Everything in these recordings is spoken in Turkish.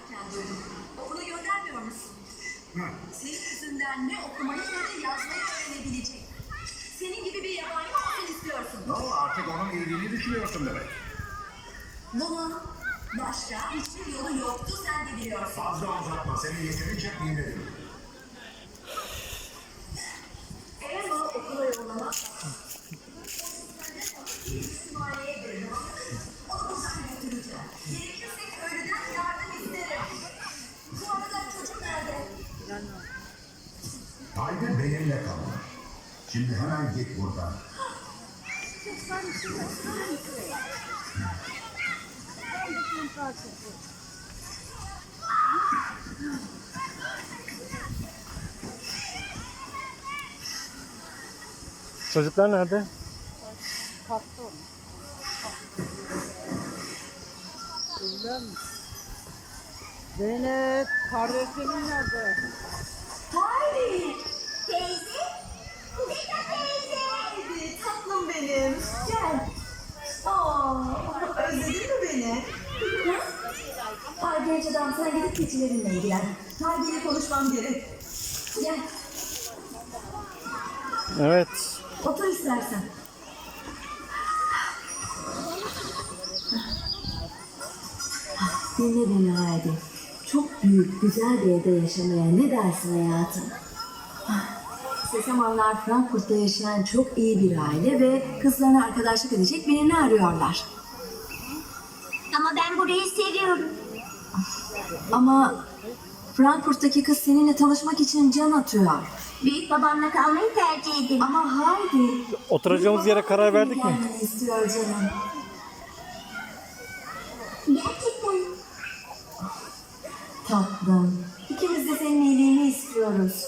derken duydum. Okula göndermiyor musun? Hı. Senin yüzünden ne okumayı ne de yazmayı öğrenebilecek. Senin gibi bir yabani olsun istiyorsun. No, artık onun iyiliğini düşünüyorsun demek. Bunun başka hiçbir yolu yoktu, sen de biliyorsun. Fazla uzatma, seni yeterince dinledim. Eğer onu okula yollamak İsmail'e verin. Onu buradan götüreceğim. Gerekirse köylüden yardım isterim. Bu arada çocuk nerede? Haydi benimle kal. Şimdi hemen git buradan. Çocuklar nerede? Kalktı onu. Öyle mi? Zeynep, kardeşlerin nerede? Haydi. Teyze. Zeka teyze. Haydi tatlım benim. Gel. Özledin mi beni? Ay genç adam sen gidip keçilerinle ilgilen. Haydi'yle konuşmam gerek. Gel. Evet. Otur istersen. Dinle beni Haydi. Çok büyük, güzel bir evde yaşamaya ne dersin hayatım? Sesamanlar Frankfurt'ta yaşayan çok iyi bir aile ve kızlarına arkadaşlık edecek birini arıyorlar. Ama ben burayı seviyorum. Ama Frankfurt'taki kız seninle tanışmak için can atıyor. Büyük babamla kalmayı tercih ederim. Ama Haydi... Oturacağımız yere karar verdik mi? gelmeni istiyor canım. Gerçekten. Tatlım. İkimiz de senin iyiliğini istiyoruz.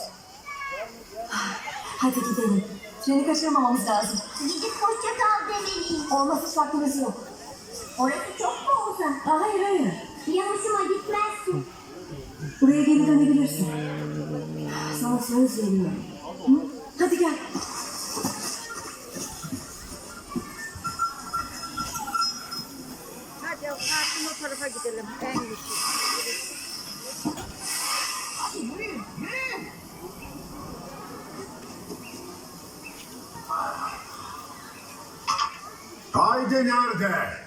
Hadi gidelim. Treni kaçırmamamız lazım. Gidip hoşça kal demeliyiz. Olmaz hiç vaktimiz yok. Orası çok mu uzak? Hayır hayır. Ya hoşuma gitmezsin. Buraya geri dönebilirsin. Sana söz veriyorum. Hı? Hadi gel. Hadi kalkın o tarafa gidelim. En güçlü. Haydi nerede?